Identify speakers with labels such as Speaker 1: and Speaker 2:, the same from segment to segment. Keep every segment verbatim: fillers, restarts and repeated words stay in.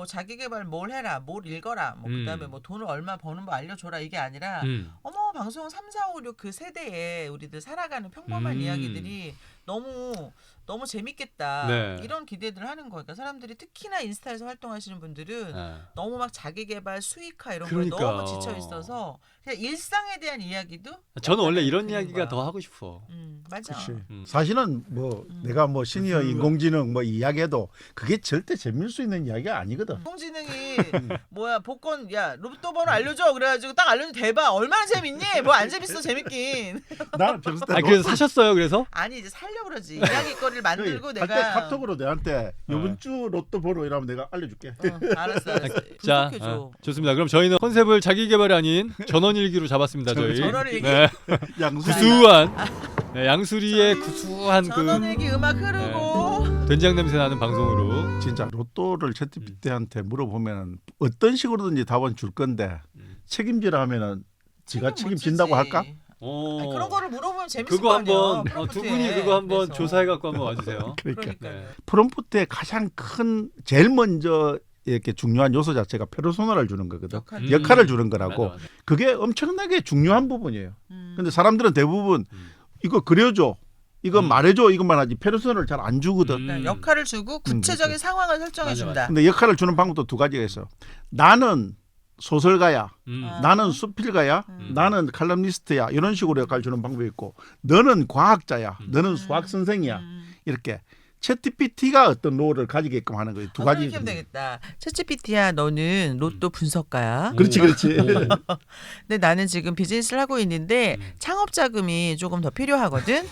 Speaker 1: 뭐 자기 개발 뭘 해라, 뭘 읽어라, 뭐
Speaker 2: 음.
Speaker 1: 그다음에 뭐 돈을 얼마 버는 거 알려줘라 이게 아니라
Speaker 2: 음.
Speaker 1: 어머 방송 삼, 사, 오, 육 그 세대에 우리들 살아가는 평범한
Speaker 2: 음.
Speaker 1: 이야기들이 너무 너무 재밌겠다
Speaker 2: 네.
Speaker 1: 이런 기대들을 하는 거니까 사람들이 특히나 인스타에서 활동하시는 분들은
Speaker 2: 네.
Speaker 1: 너무 막 자기 개발 수익화 이런
Speaker 2: 그러니까.
Speaker 1: 거에 너무 지쳐 있어서 그냥 일상에 대한 이야기도
Speaker 2: 저는 원래 이런
Speaker 1: 드리는
Speaker 2: 이야기가
Speaker 1: 거야.
Speaker 2: 더 하고 싶어.
Speaker 1: 음 맞아.
Speaker 3: 그렇지.
Speaker 2: 음.
Speaker 3: 사실은 뭐
Speaker 1: 음.
Speaker 3: 내가 뭐 시니어
Speaker 2: 그-
Speaker 3: 인공지능 뭐 이야기해도 그게 절대 재미일 수 있는 이야기가 아니거든.
Speaker 1: 인공지능이 뭐야 복권 야 로또 번호 알려줘 그래가지고 딱 알려줘 대박 얼마나 재밌니? 뭐 안 재밌어 재밌긴.
Speaker 3: 나는 평소 때
Speaker 2: 아 그래서 사셨어요? 그래서?
Speaker 1: 아니 이제 살려고 그러지 이야기거리를 만들고
Speaker 3: 할때
Speaker 1: 내가
Speaker 3: 카톡으로 내한테
Speaker 2: 네.
Speaker 3: 요번 주 로또 번호 이러면 내가 알려줄게.
Speaker 1: 어, 알았어 알았어
Speaker 2: 자,
Speaker 1: 분석해줘.
Speaker 2: 어, 좋습니다. 그럼 저희는 컨셉을 자기 개발이 아닌 전원일기로 잡았습니다. 저희.
Speaker 1: 전원일기?
Speaker 2: 네.
Speaker 3: 양수
Speaker 2: 구수한 네, 양수리의 구수한 그
Speaker 1: 전원일기 음악 흐르고
Speaker 2: 된장 냄새 나는 방송으로.
Speaker 3: 진짜 로또를 챗지피티한테 물어보면 어떤 식으로든지 답은 줄 건데
Speaker 2: 음.
Speaker 3: 책임지라 하면은 지가
Speaker 1: 책임 못
Speaker 3: 책임진다고
Speaker 1: 지지.
Speaker 3: 할까?
Speaker 2: 어.
Speaker 1: 아니, 그런 거를 물어보면 재밌을
Speaker 2: 그거
Speaker 1: 거 아니야.
Speaker 2: 한번 어, 두
Speaker 1: 프롬프트에.
Speaker 2: 분이 그거 한번
Speaker 1: 그래서.
Speaker 2: 조사해 갖고 한번 와주세요.
Speaker 3: 그러니까
Speaker 1: 그러니까
Speaker 2: 네.
Speaker 3: 프롬프트의 가장 큰 제일 먼저 이렇게 중요한 요소 자체가 페르소나를 주는 거거든.
Speaker 1: 역할.
Speaker 2: 음.
Speaker 3: 역할을 주는 거라고.
Speaker 2: 맞아, 맞아.
Speaker 3: 그게 엄청나게 중요한 부분이에요.
Speaker 1: 음.
Speaker 3: 근데 사람들은 대부분
Speaker 2: 음.
Speaker 3: 이거 그려줘, 이거
Speaker 2: 음.
Speaker 3: 말해줘 이것만 하지 페르소나를 잘 안 주거든.
Speaker 2: 음.
Speaker 1: 그러니까 역할을 주고 구체적인
Speaker 3: 음,
Speaker 1: 상황을 설정해
Speaker 2: 맞아,
Speaker 1: 준다.
Speaker 3: 근데 역할을 주는 방법도 두 가지가 있어. 나는 소설가야,
Speaker 2: 음.
Speaker 1: 아.
Speaker 3: 나는 수필가야,
Speaker 1: 음.
Speaker 3: 나는 칼럼니스트야 이런 식으로 역할 주는 방법이 있고, 너는 과학자야,
Speaker 2: 음.
Speaker 3: 너는 수학 선생이야
Speaker 1: 음.
Speaker 3: 이렇게 챗지피티가 어떤 롤을 가지게끔 하는 거예요. 두
Speaker 1: 아,
Speaker 3: 가지.
Speaker 1: 그렇게 하면 되겠다. 챗지피티야 너는 로또 분석가야.
Speaker 3: 그렇지, 그렇지.
Speaker 1: 근데 나는 지금 비즈니스를 하고 있는데
Speaker 2: 음.
Speaker 1: 창업 자금이 조금 더 필요하거든.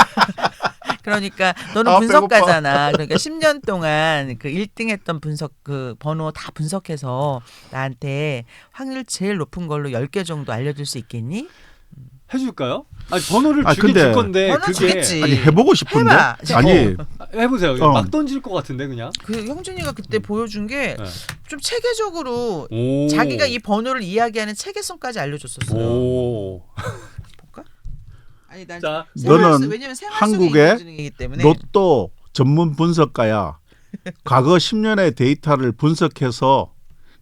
Speaker 1: 그러니까 너는
Speaker 3: 아,
Speaker 1: 분석가잖아. 그러니까 십 년 동안 그 일 등 했던 분석 그 번호 다 분석해서 나한테 확률 제일 높은 걸로 열 개 정도 알려줄 수 있겠니?
Speaker 2: 해줄까요? 아니 번호를
Speaker 3: 아,
Speaker 2: 주긴
Speaker 3: 근데-
Speaker 2: 줄 건데
Speaker 1: 번호
Speaker 2: 그게
Speaker 1: 주겠지.
Speaker 3: 아니 해보고 싶은데.
Speaker 1: 해봐.
Speaker 3: 아니
Speaker 2: 해보세요.
Speaker 3: 어.
Speaker 2: 막 던질 것 같은데 그냥.
Speaker 1: 그 형준이가 그때 보여준 게 좀
Speaker 2: 네.
Speaker 1: 체계적으로
Speaker 2: 오.
Speaker 1: 자기가 이 번호를 이야기하는 체계성까지 알려줬었어요.
Speaker 2: 오.
Speaker 1: 볼까? 아니 난
Speaker 2: 자,
Speaker 1: 생활
Speaker 3: 너는
Speaker 1: 속- 왜냐면 생활 속의
Speaker 3: 한국의
Speaker 1: 인공지능이기 때문에
Speaker 3: 로또 전문 분석가야. 과거 십 년의 데이터를 분석해서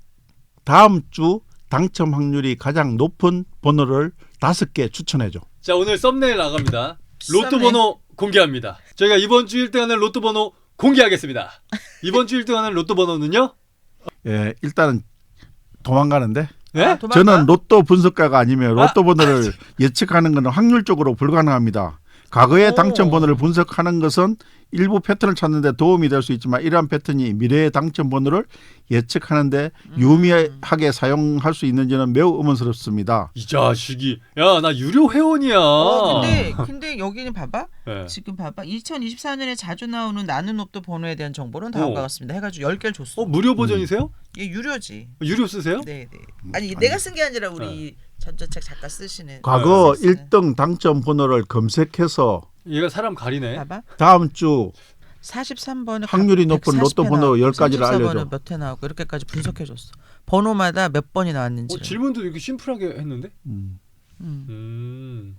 Speaker 3: 다음 주 당첨 확률이 가장 높은 번호를 다섯 개 추천해줘.
Speaker 2: 자 오늘 썸네일 나갑니다. 로또
Speaker 1: 썸네일.
Speaker 2: 번호 공개합니다. 저희가 이번 주 일 등하는 로또 번호 공개하겠습니다. 이번 주 일 등하는 로또 번호는요?
Speaker 3: 예, 일단은 도망가는데.
Speaker 2: 네?
Speaker 1: 아, 도망가?
Speaker 3: 저는 로또 분석가가 아니면 로또 번호를 예측하는 것은 확률적으로 불가능합니다. 과거의
Speaker 1: 오.
Speaker 3: 당첨 번호를 분석하는 것은 일부 패턴을 찾는 데 도움이 될 수 있지만 이러한 패턴이 미래의 당첨 번호를 예측하는 데
Speaker 1: 음.
Speaker 3: 유의하게 사용할 수 있는지는 매우 의문스럽습니다.
Speaker 2: 이 자식이 야 나 유료 회원이야.
Speaker 1: 어, 근데 근데 여기는 봐봐.
Speaker 2: 네.
Speaker 1: 지금 봐봐. 이천이십사 년에 자주 나오는 나는 로또 번호에 대한 정보는 다음과
Speaker 2: 어.
Speaker 1: 같습니다. 해가지고 열 개를 줬어.
Speaker 2: 어 무료 버전이세요?
Speaker 1: 얘 유료지.
Speaker 2: 유료 쓰세요?
Speaker 1: 네, 네. 아니 내가 쓴 게 아니라 우리 전자책 작가 쓰시는.
Speaker 3: 과거
Speaker 1: 쓰시는.
Speaker 3: 일 등 당첨 번호를 검색해서
Speaker 2: 얘가 사람 가리네.
Speaker 1: 봐봐.
Speaker 3: 다음 주
Speaker 1: 사십삼 번은
Speaker 3: 확률이 높은 로또 번호 열 가지를 알려줘.
Speaker 1: 몇회 나오고 이렇게까지 분석해줬어. 번호마다 몇 번이 나왔는지.
Speaker 2: 어, 질문도 이렇게 심플하게 했는데?
Speaker 3: 음.
Speaker 1: 음.
Speaker 2: 음.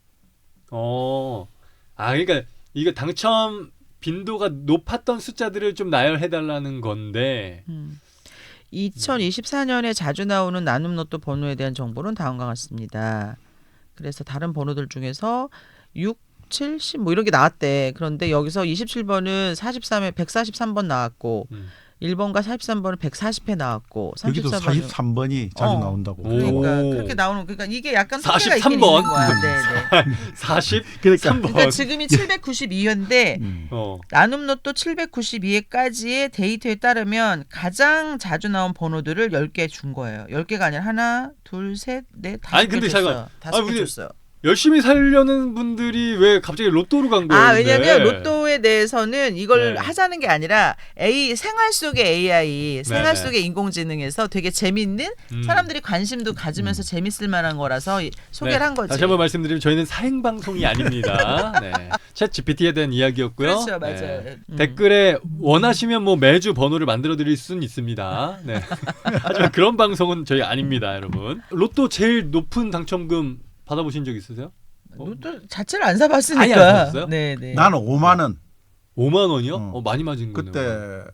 Speaker 2: 어. 아 그러니까 이거 당첨 빈도가 높았던 숫자들을 좀 나열해 달라는 건데.
Speaker 1: 음. 이천이십사 년에 자주 나오는 나눔 로또 번호에 대한 정보는 다음과 같습니다. 그래서 다른 번호들 중에서 육, 칠, 십 뭐 이런 게 나왔대. 그런데 여기서 이십칠 번은 사십삼에 백사십삼 번 나왔고
Speaker 2: 음.
Speaker 1: 일 번과 사십삼 번은 백사십 회 나왔고
Speaker 3: 여기도
Speaker 1: 삼십사 번은
Speaker 3: 사십삼 번이 자주
Speaker 1: 어.
Speaker 3: 나온다고.
Speaker 2: 오.
Speaker 1: 그러니까 그렇게 나오는 그러니까 이게 약간 통계가
Speaker 2: 사십삼
Speaker 1: 있긴
Speaker 2: 번?
Speaker 1: 있는 거야. 네, 네.
Speaker 2: 사십삼
Speaker 3: 그러니까
Speaker 2: 번.
Speaker 1: 그러니까 지금이 칠백구십이 회인데
Speaker 3: 음.
Speaker 2: 어.
Speaker 1: 나눔 로또 칠백구십이 회까지의 데이터에 따르면 가장 자주 나온 번호들을 열 개 준 거예요. 열 개가 아니라 하나, 둘, 셋, 넷, 다섯
Speaker 2: 아니,
Speaker 1: 개
Speaker 2: 근데
Speaker 1: 줬어요.
Speaker 2: 잠깐.
Speaker 1: 다섯
Speaker 2: 아니,
Speaker 1: 개
Speaker 2: 근데
Speaker 1: 줬어요.
Speaker 2: 열심히 살려는 분들이 왜 갑자기 로또로 간 거예요?
Speaker 1: 아,
Speaker 2: 근데?
Speaker 1: 왜냐면 로또에 대해서는 이걸
Speaker 2: 네.
Speaker 1: 하자는 게 아니라 A 생활 속의 에이아이, 생활
Speaker 2: 네, 네.
Speaker 1: 속의 인공지능에서 되게 재밌는
Speaker 2: 음.
Speaker 1: 사람들이 관심도 가지면서 재밌을 만한 거라서 이- 소개를
Speaker 2: 네.
Speaker 1: 한 거지.
Speaker 2: 다시 한번 말씀드리면 저희는 사행 방송이 아닙니다. 네. 챗 지피티에 대한 이야기였고요.
Speaker 1: 그렇죠, 맞아요.
Speaker 2: 네.
Speaker 1: 음.
Speaker 2: 댓글에 원하시면 뭐 매주 번호를 만들어 드릴 수는 있습니다. 네. 하지만 그런 방송은 저희 아닙니다, 여러분. 로또 제일 높은 당첨금 받아보신 적 있으세요?
Speaker 1: 로또 자체를 안 사봤으니까.
Speaker 2: 아예 안 사봤어요?
Speaker 1: 네, 네.
Speaker 3: 나는 오만 원.
Speaker 2: 오만 원이요?
Speaker 3: 어.
Speaker 2: 어, 많이 맞은 거네요.
Speaker 3: 그때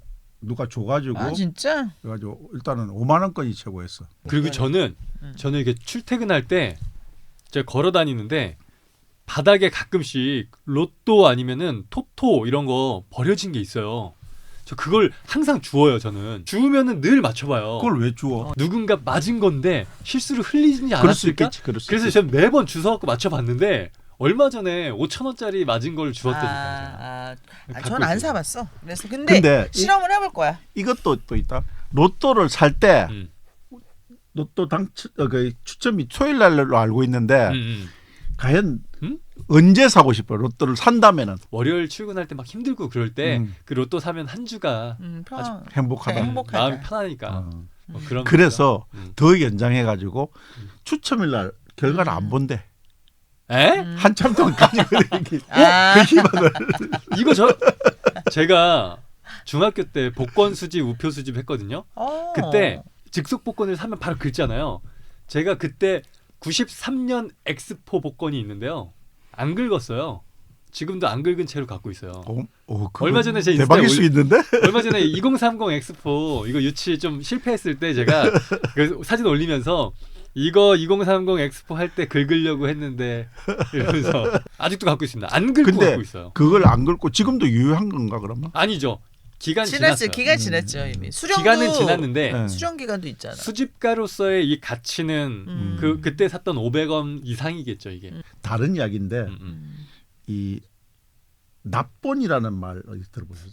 Speaker 3: 누가 줘가지고
Speaker 1: 아 진짜?
Speaker 3: 그래가지고 일단은 오만 원권이 최고였어.
Speaker 2: 그리고 저는
Speaker 1: 음.
Speaker 2: 저는 이렇게 출퇴근할 때 제가 걸어 다니는데 바닥에 가끔씩 로또 아니면은 토토 이런 거 버려진 게 있어요. 저 그걸 항상 주워요. 저는 주우면은 늘 맞춰봐요.
Speaker 3: 그걸 왜 주워?
Speaker 2: 누군가 맞은 건데 실수로 흘리지
Speaker 3: 그럴 수
Speaker 2: 않았을까?
Speaker 3: 있겠지. 그럴 수
Speaker 2: 그래서
Speaker 3: 있겠지.
Speaker 2: 제가 매번 주워갖고 맞춰봤는데 얼마 전에 오천 원짜리 맞은 걸
Speaker 1: 아,
Speaker 2: 주웠다니까요.
Speaker 1: 아, 아,
Speaker 2: 갖고
Speaker 1: 전 안
Speaker 2: 있어요.
Speaker 1: 사봤어. 그래서 근데,
Speaker 3: 근데 이-
Speaker 1: 실험을 해볼 거야.
Speaker 3: 이것도 또 있다. 로또를 살 때
Speaker 2: 음.
Speaker 3: 로또 당 추, 어, 그 추첨이 토요일 날로 알고 있는데
Speaker 2: 음, 음.
Speaker 3: 과연
Speaker 2: 음?
Speaker 3: 언제 사고 싶어? 로또를 산다면은
Speaker 2: 월요일 출근할 때 막 힘들고 그럴 때 그
Speaker 3: 음.
Speaker 2: 로또 사면 한 주가
Speaker 1: 음, 편.
Speaker 2: 아주
Speaker 3: 행복하다.
Speaker 1: 네, 행복하다.
Speaker 2: 마음이 편하니까
Speaker 3: 어.
Speaker 2: 뭐 그런
Speaker 3: 그래서
Speaker 2: 거죠. 음.
Speaker 3: 더 연장해가지고
Speaker 2: 음.
Speaker 3: 추첨일 날 결과를 안 본대.
Speaker 2: 에?
Speaker 1: 음.
Speaker 3: 한참 동안 가지고 이렇게
Speaker 1: 아.
Speaker 3: 그 희망을
Speaker 2: 이거 저 제가 중학교 때 복권 수집, 우표 수집 했거든요.
Speaker 1: 어.
Speaker 2: 그때 즉석 복권을 사면 바로 긁잖아요. 제가 그때 구십삼 년 엑스포 복권이 있는데요. 안 긁었어요. 지금도 안 긁은 채로 갖고 있어요.
Speaker 3: 어, 어, 그거
Speaker 2: 얼마 전에 제 인스타에
Speaker 3: 대박일 수
Speaker 2: 올리-
Speaker 3: 있는데?
Speaker 2: 얼마 전에 이천삼십 엑스포 이거 유치 좀 실패했을 때 제가 그 사진 올리면서 이거 이천삼십 엑스포 할 때 긁으려고 했는데 이러면서 아직도 갖고 있습니다. 안 긁고
Speaker 3: 근데
Speaker 2: 갖고 있어요.
Speaker 3: 그걸 안 긁고 지금도 유효한 건가 그러면?
Speaker 2: 아니죠. 기간
Speaker 1: 지났어요.
Speaker 2: 지났어요.
Speaker 1: 기간
Speaker 3: 음.
Speaker 1: 지났죠 이미. 수령도
Speaker 2: 기간은 지났는데
Speaker 3: 네.
Speaker 1: 수령 기간도 있잖아.
Speaker 2: 수집가로서의 이 가치는
Speaker 1: 음.
Speaker 2: 그 그때 샀던 오백 원 이상이겠죠 이게.
Speaker 1: 음.
Speaker 3: 다른 이야기인데
Speaker 2: 음, 음.
Speaker 3: 이 납본이라는 말 어디 들어보셨어요?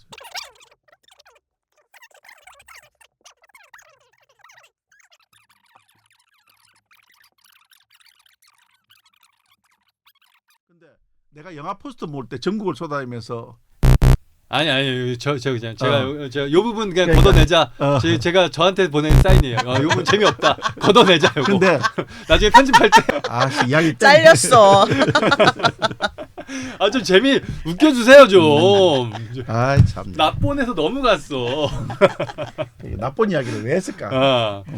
Speaker 3: 근데 내가 영화 포스터 모을 때 전국을 쏟아다니면서
Speaker 2: 아니 아니 저저 그냥 제가
Speaker 3: 어.
Speaker 2: 요, 저, 요 부분 그냥
Speaker 3: 그러니까.
Speaker 2: 걷어내자.
Speaker 3: 어.
Speaker 2: 제, 제가 저한테 보낸 사인이에요. 어, 요 부분 재미없다. 걷어내자. 요거.
Speaker 3: 근데
Speaker 2: 나중에 편집할 때
Speaker 3: 아 이야기 때문에
Speaker 1: 잘렸어.
Speaker 2: 아 좀 재미 웃겨주세요 좀.
Speaker 3: 아이 참
Speaker 2: 납본에서 너무 갔어.
Speaker 3: 나쁜 이야기를 왜 했을까?
Speaker 2: 아.